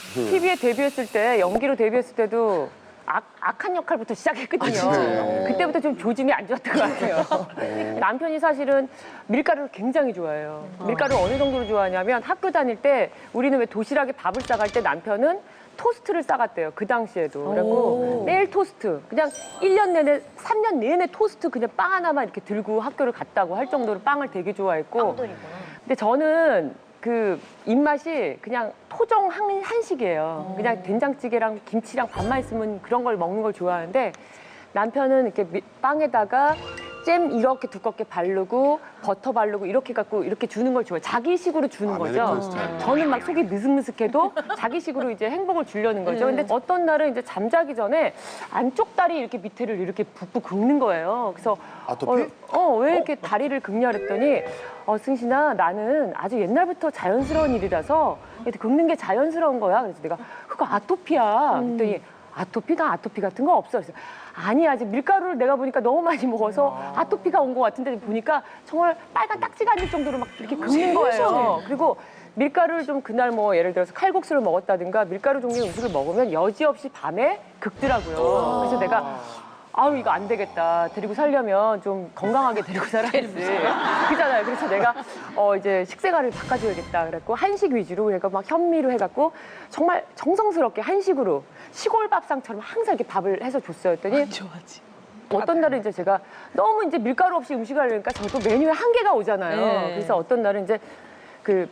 TV에 데뷔했을 때, 연기로 데뷔했을 때도 악한 역할부터 시작했거든요. 그때부터 좀 조짐이 안 좋았던 것 같아요. 남편이 사실은 밀가루를 굉장히 좋아해요. 밀가루를 어느 정도로 좋아하냐면 학교 다닐 때 우리는 왜 도시락에 밥을 싸갈 때 남편은 토스트를 싸갔대요. 그 당시에도. 그래갖고 매일 토스트. 그냥 1년 내내, 3년 내내 토스트 그냥 빵 하나만 이렇게 들고 학교를 갔다고 할 정도로 빵을 되게 좋아했고. 근데 저는 그 입맛이 그냥 토종 한식이에요. 그냥 된장찌개랑 김치랑 밥만 있으면 그런 걸 먹는 걸 좋아하는데 남편은 이렇게 빵에다가 잼 이렇게 두껍게 바르고 버터 바르고 이렇게 갖고 이렇게 주는 걸 좋아해요. 자기식으로 주는 거죠. 저는 막 속이 느슨느슨해도 자기식으로 이제 행복을 주려는 거죠. 근데 어떤 날은 이제 잠자기 전에 안쪽 다리 이렇게 밑에를 이렇게 붓고 긁는 거예요. 그래서 아토피? 왜 이렇게 다리를 긁냐 그랬더니 승신아 나는 아주 옛날부터 자연스러운 일이라서 이렇게 긁는 게 자연스러운 거야. 그래서 내가 그거 아토피야. 그랬더니 아토피? 나 아토피 같은 거 없어. 그래서 아니 아직 밀가루를 내가 보니까 너무 많이 먹어서 아토피가 온 것 같은데 보니까 정말 빨간 딱지가 안 될 정도로 막 이렇게 긁는 거예요. 그리고 밀가루를 좀 그날 뭐 예를 들어서 칼국수를 먹었다든가 밀가루 종류 음식을 먹으면 여지없이 밤에 긁더라고요. 그래서 내가 아우 이거 안 되겠다. 데리고 살려면 좀 건강하게 데리고 살아야지. 그잖아요. 그래서 내가 이제 식생활을 바꿔줘야겠다. 그랬고 한식 위주로 그러니까 막 현미로 해갖고 정말 정성스럽게 한식으로 시골 밥상처럼 항상 이렇게 밥을 해서 줬어요. 했더니 좋아하지. 어떤 날은 이제 제가 너무 이제 밀가루 없이 음식을 하려니까 저도 메뉴에 한계가 오잖아요. 그래서 어떤 날은 이제 그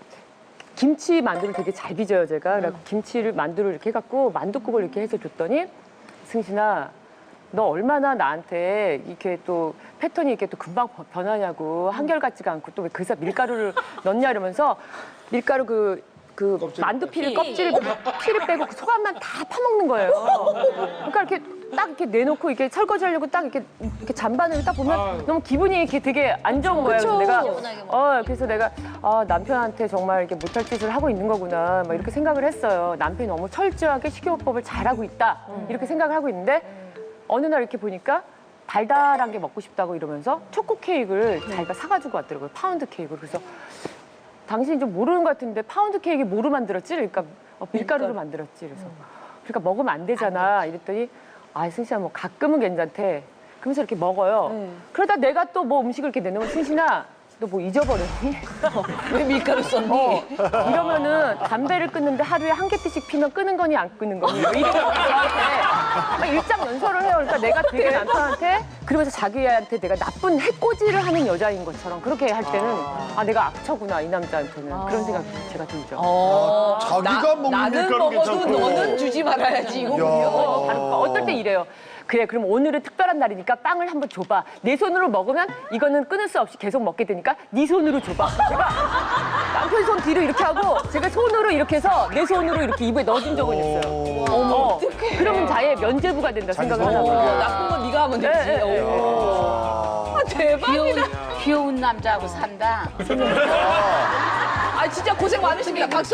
김치 만두를 되게 잘 빚어요 제가. 그래서 김치를 만두를 이렇게 해갖고 만두국을 이렇게 해서 줬더니 승신아. 너 얼마나 나한테 이렇게 또 패턴이 이렇게 또 금방 변하냐고 한결같지가 않고 또 왜 그사 밀가루를 넣냐 이러면서 밀가루 그 만두피를 껍질을 피를 빼고 그 소감만 다 파먹는 거예요. 그러니까 이렇게 딱 이렇게 내놓고 이렇게 설거지하려고 딱 이렇게 잔반을 딱 보면 너무 기분이 이렇게 되게 안 좋은 거예요. 그래서 내가 남편한테 정말 이렇게 못할 짓을 하고 있는 거구나 막 이렇게 생각을 했어요. 남편이 너무 철저하게 식이요법을 잘하고 있다 이렇게 생각을 하고 있는데. 어느 날 이렇게 보니까 달달한 게 먹고 싶다고 이러면서 초코 케이크를 자기가 사가지고 왔더라고요. 파운드 케이크를. 그래서 당신이 좀 모르는 것 같은데 파운드 케이크 뭐로 만들었지? 그러니까 밀가루로 만들었지. 그래서 그러니까 먹으면 안 되잖아. 이랬더니 승신아 뭐 가끔은 괜찮대. 그러면서 이렇게 먹어요. 그러다 내가 또 뭐 음식을 이렇게 내놓으면 승신아 너 뭐 잊어버렸니? 왜 밀가루 썼니? 이러면은 담배를 끊는데 하루에 한 개씩 피면 끄는 거니 안 끄는 거니 뭐 이렇게 저한테 막 일장연설을 해요. 그러니까 내가 되게 남편한테 그러면서 자기한테 내가 나쁜 해코지를 하는 여자인 것처럼 그렇게 할 때는 내가 악처구나 이 남자한테는 그런 생각 제가 들죠. 자기가 먹는 나는 밀가루 먹어도 괜찮고. 너는 주지 말아야지 이거군요. 바로 어떨 때 이래요. 그래 그럼 오늘은 특별한 날이니까 빵을 한번 줘봐. 내 손으로 먹으면 이거는 끊을 수 없이 계속 먹게 되니까 네 손으로 줘봐. 제가 남편 손 뒤로 이렇게 하고 제가 손으로 이렇게 해서 내 손으로 이렇게 입에 넣어준 적은 있어요. 어떡해. 그러면 자의 면죄부가 된다 생각을 하나 어, 봐요. 나쁜 건 네가 하면 되지. 대박이다. 귀여운 남자하고 산다. 진짜 고생 많으십니다. 박수.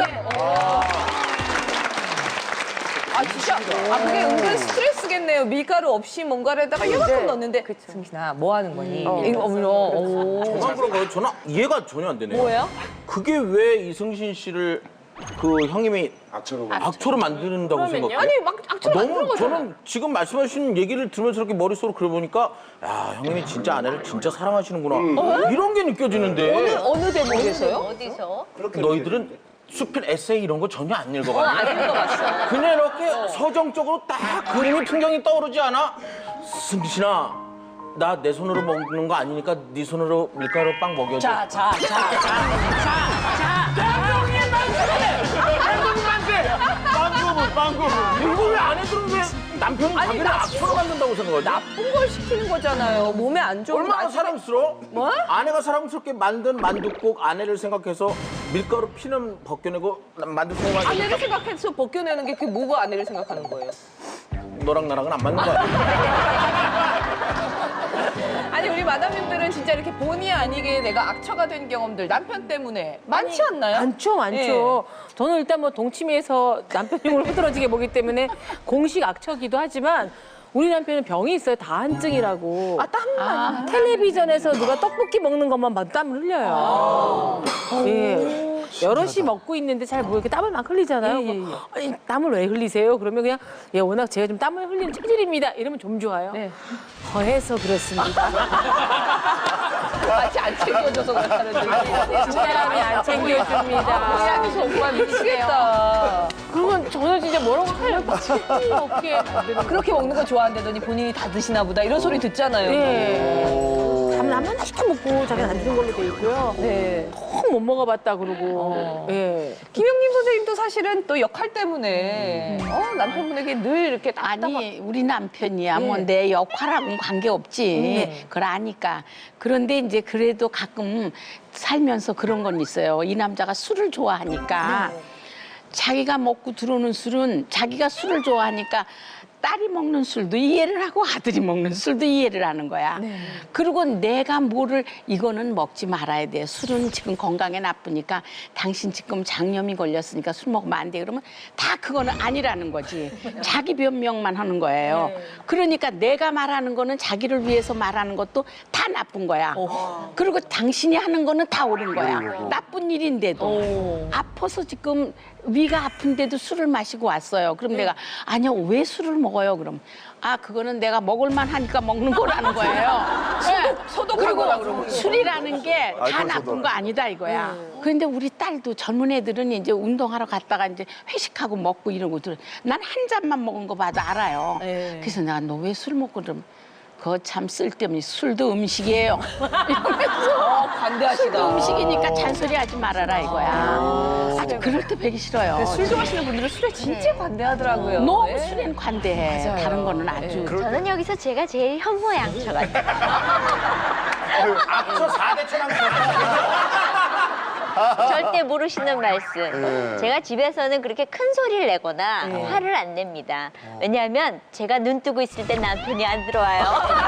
진짜. 그게 은근 스트레스겠네요. 밀가루 없이 뭔가에다가 이만큼 넣는데. 승신아, 뭐 하는 거니? 이거 저만 그런 거예요? 저는 이해가 전혀 안 되네요. 뭐예요? 그게 왜 이승신 씨를 그 형님이 악초로 만든다고 생각해요? 아니, 막 악처럼 만드는 너무 거잖아. 저는 지금 말씀하신 얘기를 들으면서 이렇게 머릿속으로 그려보니까 형님이 진짜 아내를 진짜 사랑하시는구나. 이런 게 느껴지는데 어느 대목에서요? 어디서? 너희들은 수필 에세이 이런 거 전혀 안 읽어봤네. 안 읽어봤어. 그냥 이렇게 서정적으로 딱 그림이 풍경이 떠오르지 않아? 승신아, 나 내 손으로 먹는 거 아니니까 네 손으로 밀가루 빵 먹여줘. 빵꾸분. 이거 왜 아내들은 왜 남편이 자기를 악처로 만든다고 생각하지? 나쁜 걸 시키는 거잖아요. 몸에 안 좋은 얼마나 거. 사랑스러워? 뭐? 아내가 사랑스럽게 만든 만둣국 아내를 생각해서 밀가루 피는 벗겨내고 만두 생각하지. 아내를 생각해서 벗겨내는 게 그게 뭐가 아내를 생각하는 거예요? 너랑 나랑은 안 맞는 거야. 아니 우리 마담님들은 진짜 이렇게 본의 아니게 내가 악처가 된 경험들 남편 때문에 많지 않나요? 많죠. 저는 일단 뭐 동치미에서 남편 용을 흐드러지게 보기 때문에 공식 악처기도 하지만 우리 남편은 병이 있어요. 다한증이라고. 땀만. 텔레비전에서 누가 떡볶이 먹는 것만 봐도 땀을 흘려요. 예. 여럿이 먹고 있는데 잘 모르게 땀을 막 흘리잖아요. 아니, 땀을 왜 흘리세요? 그러면 그냥 예, 워낙 제가 좀 땀을 흘리는 체질입니다. 이러면 좀 좋아요. 더해서 그렇습니다. 같이 안 챙겨줘서 그렇다는 사람이 안 챙겨줍니다. 사람이 정말 미치겠다. 그러면 저는 진짜 뭐라고 하려고 미치겠지 없게 만드는 그렇게 먹는 거 좋아한다더니 본인이 다 드시나 보다 이런 소리 듣잖아요. 예. 라면 하나 시켜 먹고 자기는 안 드는 걸로 돼 있고요. 네. 통 못 먹어봤다 그러고. 예. 김영림 선생님도 사실은 또 역할 때문에 남편분에게 늘 이렇게 답답한 아니 우리 남편이야 뭐 내 역할하고는 관계없지 그걸 아니까. 그런데 이제 그래도 가끔 살면서 그런 건 있어요. 이 남자가 술을 좋아하니까 자기가 먹고 들어오는 술은 자기가 술을 좋아하니까 딸이 먹는 술도 이해를 하고 아들이 먹는 술도 이해를 하는 거야. 그리고 내가 뭐를 이거는 먹지 말아야 돼. 술은 지금 건강에 나쁘니까 당신 지금 장염이 걸렸으니까 술 먹으면 안 돼. 그러면 다 그거는 아니라는 거지. 자기 변명만 하는 거예요. 그러니까 내가 말하는 거는 자기를 위해서 말하는 것도 다 나쁜 거야. 그리고 당신이 하는 거는 다 옳은 거야. 나쁜 일인데도. 아파서 지금 위가 아픈데도 술을 마시고 왔어요. 그럼 내가 아니요 왜 술을 먹어요? 그럼 아 그거는 내가 먹을만 하니까 먹는 거라는 거예요. 소독한 거라 그러고. 술이라는 게 다 나쁜 거 아니다 이거야. 그런데 우리 딸도 젊은 애들은 이제 운동하러 갔다가 이제 회식하고 먹고 이러고 난 한 잔만 먹은 거 봐도 알아요. 그래서 내가 너 왜 술 먹고 그럼 그거 참 쓸데없니 술도 음식이에요. 이러면서 관대하시다. 음식이니까 잔소리하지 말아라 이거야. 아주 그럴 때 배기 싫어요. 술 좋아하시는 분들은 술에 진짜 관대하더라고요. 너무 네. 술엔 관대해. 맞아요. 다른 거는 아주. 저는 여기서 제가 제일 현모양처 같아요. 악처 4대 천왕. 절대 모르시는 말씀. 제가 집에서는 그렇게 큰 소리를 내거나 화를 안 냅니다. 왜냐하면 제가 눈 뜨고 있을 때 남편이 안 들어와요.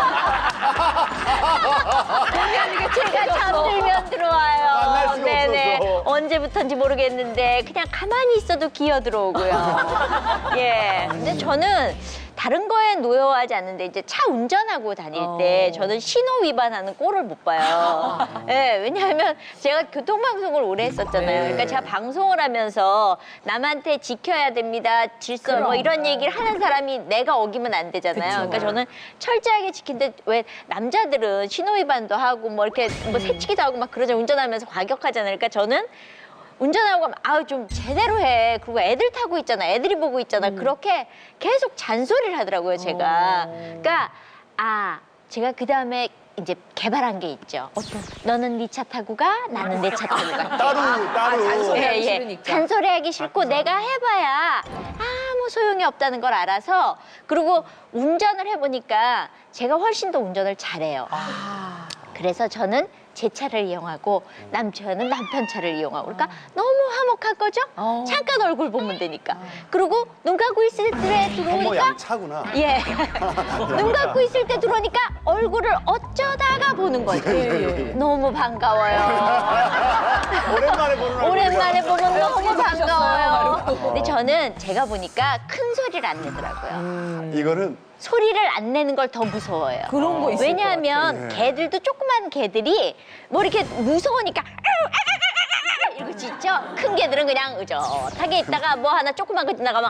제가 잠들면 들어와요. 네네. 언제부턴지 모르겠는데 그냥 가만히 있어도 기어 들어오고요. 예. 근데 저는 다른 거에 노여워하지 않는데 이제 차 운전하고 다닐 때 저는 신호 위반하는 꼴을 못 봐요. 예, 왜냐하면 제가 교통방송을 오래 했었잖아요. 그러니까 제가 방송을 하면서 남한테 지켜야 됩니다. 질서 뭐 이런 얘기를 하는 사람이 내가 어기면 안 되잖아요. 그러니까 저는 철저하게 지키는데 왜 남자들은 신호 위반도 하고 뭐 이렇게 뭐 새치기도 하고 막 그러잖아요. 운전하면서 과격하잖아요. 그러니까 저는 운전하고 가면 아우 좀 제대로 해. 그리고 애들 타고 있잖아. 애들이 보고 있잖아. 그렇게 계속 잔소리를 하더라고요, 제가. 그러니까 제가 그다음에 이제 개발한 게 있죠. 너는 네 차 타고 가, 나는 내 차 타고 가. 따로. 잔소리하기 싫으니까. 잔소리하기 싫고 내가 해봐야 아무 소용이 없다는 걸 알아서 그리고 운전을 해보니까 제가 훨씬 더 운전을 잘해요. 그래서 저는 제 차를 이용하고 남편은 남편 차를 이용하고 그러니까 너무 화목한 거죠? 잠깐 얼굴 보면 되니까. 그리고 눈 감고 있을 때 들어오니까 양차구나. 예. 눈 감고 있을 때 들어오니까 얼굴을 어쩌다가 보는 거죠. 너무 반가워요. 오랜만에 보는 얼굴이야. 오랜만에 보면 너무 반가워요. 근데 저는 제가 보니까 큰 소리를 안 내더라고요. 이거는 소리를 안 내는 걸 더 무서워해요. 그런 거 있을 왜냐하면 개들도 조그만 개들이 뭐 이렇게 무서우니까 이러고 짖죠. 큰 개들은 그냥 의젓하게 있다가 뭐 하나 조그만 거 지나가면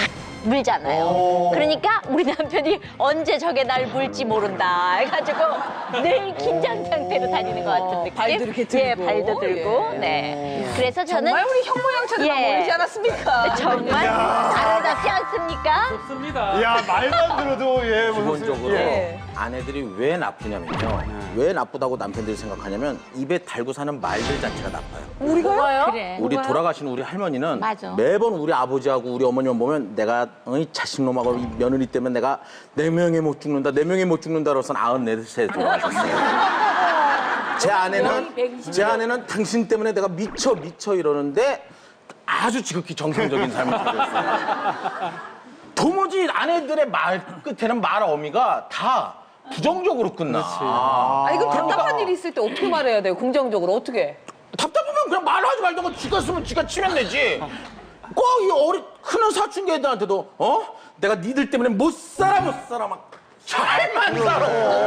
물잖아요. 그러니까 우리 남편이 언제 저게 날 물지 모른다 해가지고 늘 긴장 상태로 다니는 것 같은 느낌. 발도 이렇게 들고. 예, 발도 들고. 예. 네. 그래서 저는 정말 우리 현모양처럼 예. 보이지 않았습니까? 정말 아름답지 않습니까? 야 말만 들어도 예 무슨 기본적으로 예. 아내들이 왜 나쁘냐면요. 왜 나쁘다고 남편들이 생각하냐면 입에 달고 사는 말들 자체가 나빠요. 우리가요? 그래. 우리 돌아가신 우리 할머니는 맞아. 매번 우리 아버지하고 우리 어머니만 보면 내가 이 자식놈하고 이 며느리 때문에 내가 4명에 못 죽는다, 4명에 못 죽는다 그래서 94세 돌아가셨어요. 제 아내는 당신 때문에 내가 미쳐 이러는데 아주 지극히 정상적인 삶을 살고 있어요. 도무지 아내들의 말 끝에는 말 어미가 다 부정적으로 끝나. 이거 답답한 일이 있을 때 어떻게 말해야 돼요? 긍정적으로 어떻게? 답답하면 그냥 말하지 말던가 지가 쓰면 지가 치면 되지. 꼭 이 크는 사춘기 애들한테도 내가 니들 때문에 못 살아 막 잘만 살아.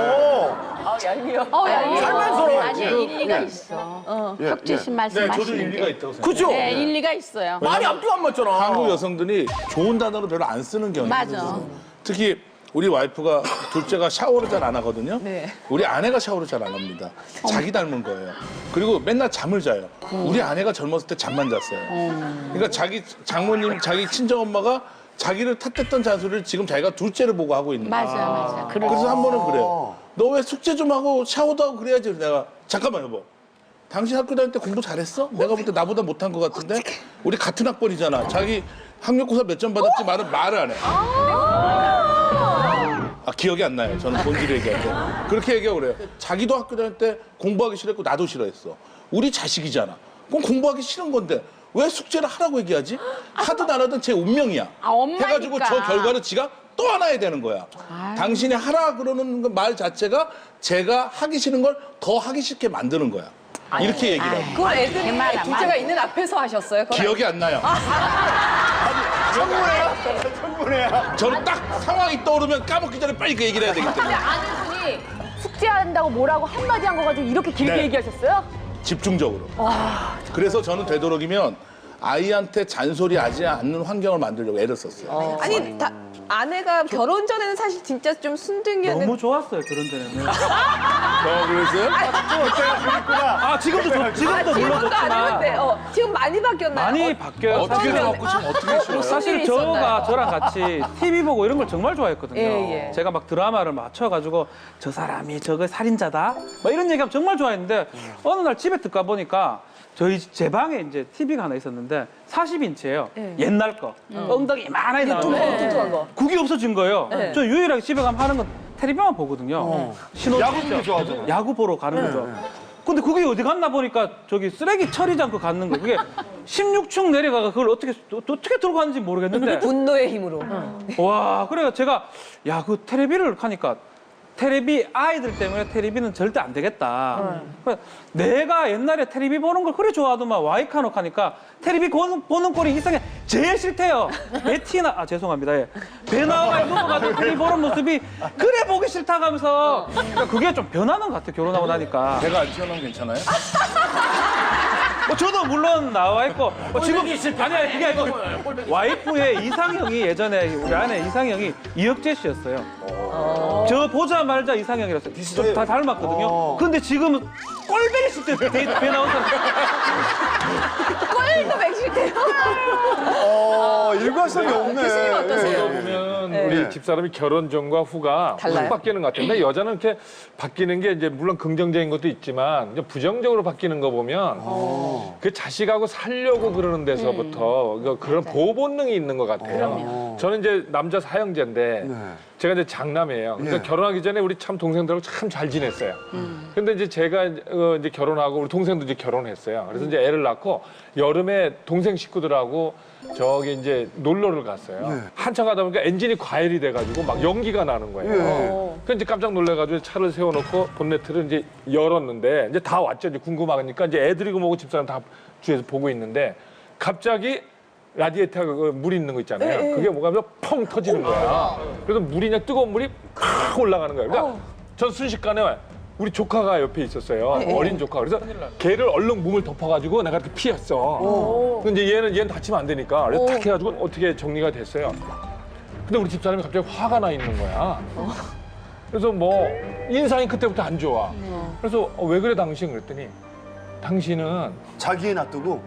얄미워. 아니 일리가 있어. 혁재 씨 말씀하시는 일리가 게. 있다고 생각해요. 그죠? 네, 일리가 있어요. 말이 앞뒤가 안 맞잖아. 한국 여성들이 좋은 단어를 별로 안 쓰는 경향이 맞아. 있어요. 특히 우리 와이프가 둘째가 샤워를 잘 안 하거든요. 네. 우리 아내가 샤워를 잘 안 합니다. 자기 닮은 거예요. 그리고 맨날 잠을 자요. 우리 아내가 젊었을 때 잠만 잤어요. 그러니까 자기 장모님, 자기 친정엄마가 자기를 탓했던 잔소리를 지금 자기가 둘째를 보고 하고 있는 거예요. 맞아. 그래서 한 번은 그래요. 너 왜 숙제 좀 하고 샤워도 하고 그래야지. 내가 잠깐만 여보. 당신 학교 다닐 때 공부 잘했어? 내가 볼 때 나보다 못한 것 같은데? 우리 같은 학번이잖아. 자기 학력고사 몇 점 받았지 말을 안 해. 아, 기억이 안 나요. 저는 본질을 얘기할 때. 그렇게 얘기하고 그래요. 자기도 학교 다닐 때 공부하기 싫었고 나도 싫어했어. 우리 자식이잖아. 그럼 공부하기 싫은 건데 왜 숙제를 하라고 얘기하지? 하든 안 하든 제 운명이야. 아, 엄마니까. 해가지고 저 결과를 지가 또 하나 해야 되는 거야. 당신이 하라 그러는 말 자체가 제가 하기 싫은 걸 더 하기 싫게 만드는 거야. 이렇게 얘기를 하고. 그걸 애들이 개말, 둘째가 말. 있는 앞에서 하셨어요? 그건 기억이 안 나요. 천분해야. 저는 딱 상황이 떠오르면 까먹기 전에 빨리 그 얘기를 해야 되기 근데 때문에. 아내분이 숙제한다고 뭐라고 한마디 한 거 가지고 이렇게 길게 네. 얘기하셨어요? 집중적으로. 그래서 저는 되도록이면 아이한테 잔소리하지 않는 환경을 만들려고 애를 썼어요. 아니 아내가 결혼 전에는 사실 진짜 좀 순둥이였는데 너무 좋았어요 그런 데는. 그랬어요? 아 지금도 지금도 안 물러졌지만 했는데 지금 많이 바뀌었나요? 많이 바뀌어요. 어떻게 사실은 해갖고 지금 어떻게 싫어요? 사실 일이 저가 있었나요? 저랑 같이 TV 보고 이런 걸 정말 좋아했거든요. 예. 제가 막 드라마를 맞춰가지고 저 사람이 저거 살인자다 막 이런 얘기하면 정말 좋아했는데 어느 날 집에 들어가 보니까 제 방에 이제 TV가 하나 있었는데 40인치예요. 옛날 거. 엉덩이 많이 나오는 뚱뚱한 거. 그게 없어진 거예요. 네. 저 유일하게 집에 가면 하는 건 텔레비만 보거든요. 신호 야구도 좋아하죠. 야구 보러 가는 거죠. 근데 그게 어디 갔나 보니까 저기 쓰레기 처리지 않고 갔는 거. 그게 16층 내려가가 그걸 어떻게 들고 갔는지 모르겠는데. 분노의 힘으로. 와, 그래서 제가 야, 그 테레비를 하니까 테레비 아이들 때문에 테레비는 절대 안 되겠다. 그래서 내가 옛날에 테레비 보는 걸 그래 좋아하더만 와이카노 하니까 테레비 보는 꼴이 이상해 제일 싫대요. 베티나 죄송합니다. 예. 배 나와가 넘어가지고 테레비 보는 모습이 그래 보기 싫다 하면서 그러니까 그게 좀 변하는 것 같아 결혼하고 나니까. 배가 안 튀어나오면 괜찮아요? 저도 물론 나와 있고 지금 아니야 그게 아니고 와이프의 이상형이 예전에 우리 아내 이상형이 이혁재 씨였어요. 저 보자마자 이상형이라서 좀 다 닮았거든요. 근데 지금은 꼴배기 싫대 배 나온 사람. 꼴도 맥시대요. 일관성이 없네. 교수님 어떠세요? 보면 네. 우리 집사람이 결혼 전과 후가 달라요? 확 바뀌는 것 같은데 여자는 이렇게 바뀌는 게 이제 물론 긍정적인 것도 있지만 이제 부정적으로 바뀌는 거 보면 그 자식하고 살려고 그러는 데서부터 그런 보호 본능이 있는 것 같아요. 저는 이제 남자 사형제인데 제가 이제 장남이에요. 그러니까 결혼하기 전에 우리 참 동생들하고 참 잘 지냈어요. 근데 이제 제가 이제 결혼하고 우리 동생도 이제 결혼했어요. 그래서 이제 애를 낳고 여름에 동생 식구들하고 저기 이제 놀러를 갔어요. 한참 가다 보니까 엔진이 과열이 돼가지고 막 연기가 나는 거예요. 그래서 이제 깜짝 놀래가지고 차를 세워놓고 본네트를 이제 열었는데 이제 다 왔죠. 이제 궁금하니까 이제 애들이고 뭐고 집사람 다 뒤에서 보고 있는데 갑자기 라디에이터가 물이 있는 거 있잖아요. 그게 뭐가 하면 펑 터지는 거야. 그래서 물이 그냥 뜨거운 물이 팍 올라가는 거예요. 그러니까 전 순식간에 우리 조카가 옆에 있었어요. 어린 조카. 그래서 걔를 얼른 몸을 덮어가지고 내가 이렇게 피했어. 근데 얘는 다치면 안 되니까. 그래서 탁 해가지고 어떻게 정리가 됐어요. 근데 우리 집사람이 갑자기 화가 나 있는 거야. 그래서 뭐 인상이 그때부터 안 좋아. 그래서 왜 그래 당신 그랬더니 당신은 자기 애 놔두고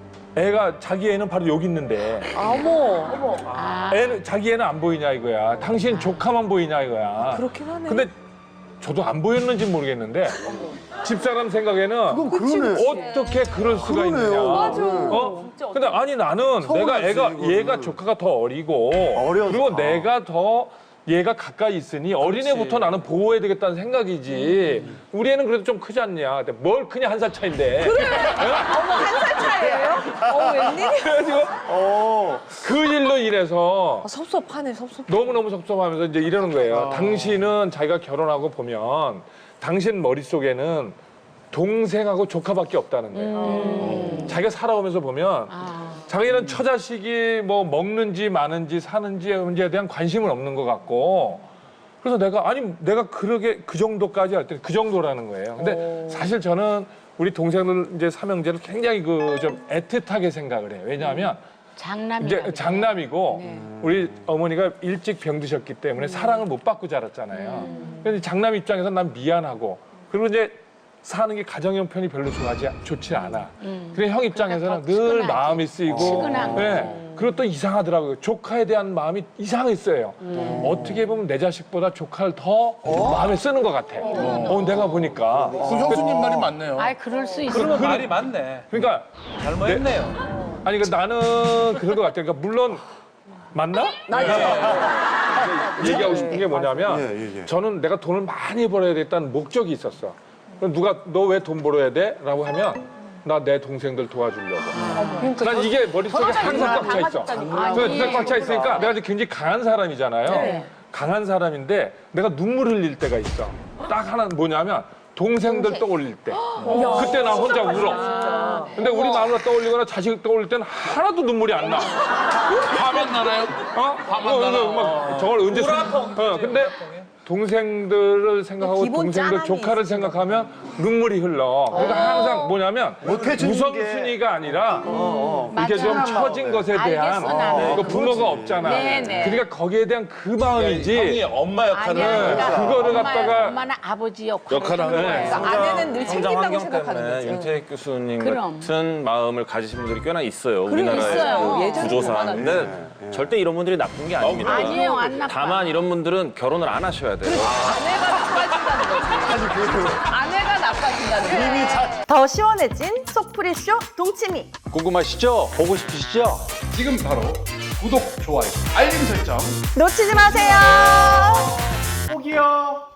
자기 애는 바로 여기 있는데 어머. 자기 애는 안 보이냐 이거야. 당신 조카만 보이냐 이거야. 그렇긴 하네. 근데 저도 안 보였는지 모르겠는데 집사람 생각에는 그건 그러네. 어떻게 그럴 수가 그러네요. 있느냐. 맞아. 근데 아니 나는 서운하지, 얘가 이거는. 조카가 더 어리고 어려서. 그리고 내가 더 얘가 가까이 있으니 어린애부터 나는 보호해야 되겠다는 생각이지. 우리 애는 그래도 좀 크지 않냐. 근데 뭘 그냥 1살 차인데. 어머 한 살 차이예요? 웬일이야? 그래가지고 그 일로 인해서 섭섭하네 섭섭. 너무너무 섭섭하면서 이제 이러는 거예요. 당신은 자기가 결혼하고 보면 당신 머릿속에는 동생하고 조카밖에 없다는 거예요. 자기가 살아오면서 보면 자기는 처자식이 뭐 먹는지 마는지 사는지 문제에 대한 관심은 없는 것 같고 그래서 내가 그러게 그 정도까지 할 때 그 정도라는 거예요. 근데 사실 저는 우리 동생들 이제 삼형제를 굉장히 좀 애틋하게 생각을 해요. 왜냐하면 이제 장남이고 우리 어머니가 일찍 병드셨기 때문에 사랑을 못 받고 자랐잖아요. 근데 장남 입장에서 난 미안하고 그리고 이제 사는 게 가정 형편이 별로 좋지 않아. 그래 형 입장에서는 늘 마음이 쓰이고, 측은한 그리고 또 이상하더라고요. 조카에 대한 마음이 이상했어요. 어떻게 보면 내 자식보다 조카를 더 마음에 쓰는 것 같아. 내가 보니까. 그 형수님 말이 맞네요. 아이 그럴 수 있어. 그러면 말이 맞네. 그러니까 잘못했네요. 아니 나는 그런 것 같아요. 그러니까 물론 맞나? 얘기하고 싶은 게 뭐냐면 저는 내가 돈을 많이 벌어야 되겠다는 목적이 있었어. 그럼 누가 너 왜 돈 벌어야 돼? 라고 하면 나 내 동생들 도와주려고. 난 이게 머릿속에 항상 꽉 차 있어. 그래서 꽉 차 있으니까 내가 이제 굉장히 강한 사람이잖아요. 강한 사람인데 내가 눈물 흘릴 때가 있어. 딱 하나 뭐냐면 동생들 떠올릴 때. 그때 나 혼자 울어. 근데 우리 마누라 떠올리거나 자식 떠올릴 때는 하나도 눈물이 안 나. 화만 나나요? 화만 나나? 저걸 언제 근데 동생들을 생각하고 기본 동생들 짠함이 조카를 생각하면 눈물이 흘러. 그러니까 항상 뭐냐면 못해주는 우선순위가 아니라 이렇게 좀 맞아. 처진 것에 대한 알겠어, 나는. 그 부모가 없잖아. 네네. 그러니까 거기에 대한 그 마음이지. 형이 엄마 역할을 아니야. 그거를 갖다가 엄마는 아버지 역할을 역할을 하는 하는 거예요. 그러니까 아내는 늘 성장 챙긴다고 환경 생각하는 때문에 거죠. 윤태익 교수님 그럼. 같은 마음을 가지신 분들이 꽤나 있어요. 있어요. 우리나라의 예전에 구조상. 얼마나 근데 절대 이런 분들이 나쁜 게 아닙니다. 아니에요, 안 나빠. 다만 이런 분들은 결혼을 안 하셔야 돼요. 아내가 나빠진다는 거죠. 더 시원해진 속풀이쇼 동치미. 궁금하시죠? 보고 싶으시죠? 지금 바로 구독, 좋아요, 알림 설정. 놓치지 마세요. 꼭이요.